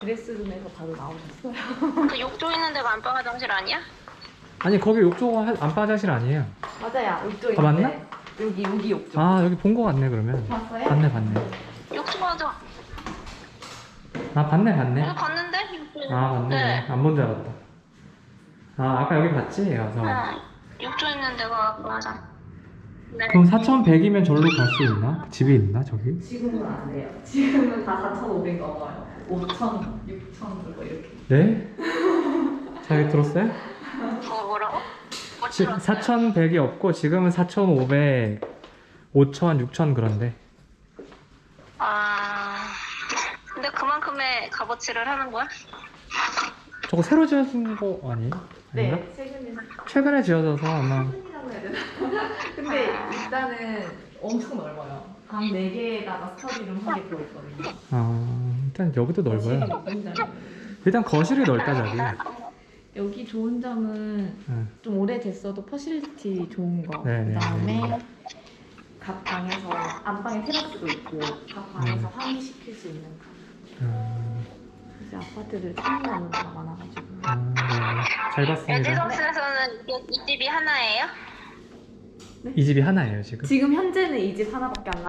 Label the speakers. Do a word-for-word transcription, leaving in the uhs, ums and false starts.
Speaker 1: 드레스룸에서 바로 나오셨어요.
Speaker 2: 그 욕조 있는 데가 안방 화장실 아니야?
Speaker 3: 아니 거기 욕조가 한- 안방 화장실 아니에요.
Speaker 1: 맞아요. 욕조
Speaker 3: 아,
Speaker 1: 있는데.
Speaker 3: 맞나?
Speaker 1: 여기 여기 욕조.
Speaker 3: 아 여기 본 거 같네 그러면.
Speaker 1: 봤어요?
Speaker 3: 봤네 봤네.
Speaker 2: 욕조 맞아.
Speaker 3: 아 봤네 봤네.
Speaker 2: 여기 봤는데? 욕조 있는
Speaker 3: 아 맞네.
Speaker 2: 네.
Speaker 3: 안 본 줄 알았다. 아 아까 여기 봤지? 와서.
Speaker 2: 응. 욕조 있는 데가 맞아. 네.
Speaker 3: 그럼 사천백이면 절로 갈 수 있나? 집이 있나 저기?
Speaker 1: 지금은 안 돼요. 지금은 다 사천오백 넘어요. 오천, 육천 그거 이렇게.
Speaker 3: 네? 자기 들었어요?
Speaker 2: 그거 뭐라고? 뭐
Speaker 3: 지,
Speaker 2: 들었어요?
Speaker 3: 사천백이 없고 지금은 사천오백, 오천, 육천 그런데.
Speaker 2: 아. 근데 그만큼의 값어치를 하는 거야?
Speaker 3: 저거 새로 지어진 거 아니에요? 아닌가?
Speaker 1: 네, 최근에.
Speaker 3: 최근에 지어져서 아마.
Speaker 1: 최근이라고 해야 되나? 근데 일단은 엄청 넓어요. 방 네 개에다가 스터디룸 한 개 들어있거든요.
Speaker 3: 아 일단 여기도 넓어요.
Speaker 1: 굉장히.
Speaker 3: 일단 거실이 넓다 저기.
Speaker 1: 여기 좋은 점은
Speaker 3: 응.
Speaker 1: 좀 오래됐어도 퍼실리티 좋은 거.
Speaker 3: 네네.
Speaker 1: 그다음에 각 방에서 안방에 테라스도 있고 각 방에서
Speaker 3: 음.
Speaker 1: 환기시킬 수 있는 거.
Speaker 3: 음,
Speaker 1: 이제 아파트들 찾는 데가 많아가지고.
Speaker 3: 아, 네. 잘 봤습니다.
Speaker 2: 에지성스에서는 이, 이 집이 하나예요?
Speaker 3: 이 집이 하나예요 지금.
Speaker 1: 지금 현재는 이 집 하나밖에 안 나.